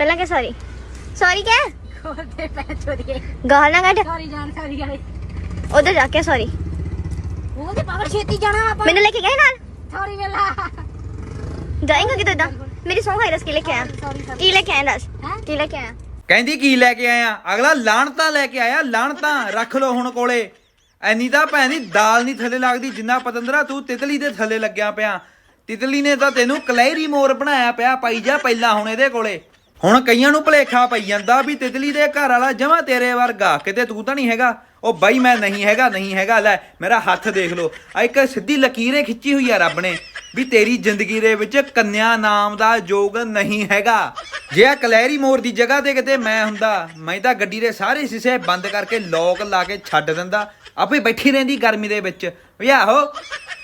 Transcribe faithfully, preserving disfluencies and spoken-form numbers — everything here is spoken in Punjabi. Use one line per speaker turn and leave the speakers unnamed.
ਪਹਿਲਾਂ ਕਿ ਸੌਰੀ ਸੌਰੀ ਕਹਿ
ਖੋਲਦੇ ਪੈ ਚੋਰੀਏ
ਗਾਲ ਨਾ ਕੱਢ
ਸੌਰੀ ਜਾਨ ਸੌਰੀ ਗਾਲੇ
ਉਧਰ ਜਾ ਕੇ ਸੌਰੀ
ਉਹਦੇ ਪਾਵਰ ਛੇਤੀ ਜਾਣਾ ਆਪਾਂ
ਮੈਨੂੰ ਲੈ ਕੇ ਗਏ ਨਾਲ
ਸੌਰੀ ਵੇਲਾ
ਜਾਏਗਾ ਕਿਤੇ ਦਾ ਮੇਰੀ ਸੌਂ ਖਾਈ ਰਸ ਕੀ ਲੈ ਕੇ ਆਇਆ
ਸੌਰੀ ਸੌਰੀ
ਕੀ ਲੈ ਕੇ ਆਇਆ ਦੱਸ
ਹੈਂ?
ਕੀ ਲੈ ਕੇ ਆਇਆ
ਕਹਿੰਦੀ ਕੀ ਲੈ ਕੇ ਆਇਆ ਅਗਲਾ ਲਾਣਤਾਂ ਲੈ ਕੇ ਆਇਆ ਲਾਣਤਾਂ ਰੱਖ ਲੋ ਹੁਣ ਕੋਲੇ ਐਨੀ ਤਾਂ ਭੈਣ ਦੀ ਦਾਲ ਨਹੀਂ ਥੱਲੇ ਲੱਗਦੀ ਜਿੰਨਾ ਪਤੰਦਰਾ ਤੂੰ ਤਿਤਲੀ ਦੇ ਥੱਲੇ ਲੱਗਿਆ ਪਿਆ ਤਿਤਲੀ ਨੇ ਤਾਂ ਤੈਨੂੰ ਕਲੈਰੀ ਮੋਰ ਬਣਾਇਆ ਪਿਆ ਪਾਈ ਜਾ ਪਹਿਲਾਂ ਹੁਣ ਇਹਦੇ ਕੋਲੇ ਹੁਣ ਕਈਆਂ ਨੂੰ ਭਲੇਖਾ ਪਈ ਜਾਂਦਾ ਵੀ ਤਿਤਲੀ ਦੇ ਘਰ ਵਾਲਾ ਜਮਾਂ ਤੇਰੇ ਵਰਗਾ ਕਿਤੇ ਤੂੰ ਤਾਂ ਨਹੀਂ ਹੈਗਾ ਉਹ ਬਾਈ ਮੈਂ ਨਹੀਂ ਹੈਗਾ ਨਹੀਂ ਹੈਗਾ ਲੈ ਮੇਰਾ ਹੱਥ ਦੇਖ ਲੋ ਆ ਇੱਕ ਸਿੱਧੀ ਲਕੀਰੇ ਖਿੱਚੀ ਹੋਈ ਆ ਰੱਬ ਨੇ ਵੀ ਤੇਰੀ ਜ਼ਿੰਦਗੀ ਦੇ ਵਿੱਚ ਕੰਨਿਆ ਨਾਮ ਦਾ ਯੋਗ ਨਹੀਂ ਹੈਗਾ ਜੇ ਆ ਕਲੈਰੀ ਮੋਰ ਦੀ ਜਗ੍ਹਾ ਤੇ ਕਿਤੇ ਮੈਂ ਹੁੰਦਾ ਮੈਂ ਤਾਂ ਗੱਡੀ ਦੇ ਸਾਰੇ ਸ਼ੀਸ਼ੇ ਬੰਦ ਕਰਕੇ ਲੋਕ ਲਾ ਕੇ ਛੱਡ ਦਿੰਦਾ ਆਪੇ ਬੈਠੀ ਰਹਿੰਦੀ ਗਰਮੀ ਦੇ ਵਿੱਚ ਵੀ ਆਹੋ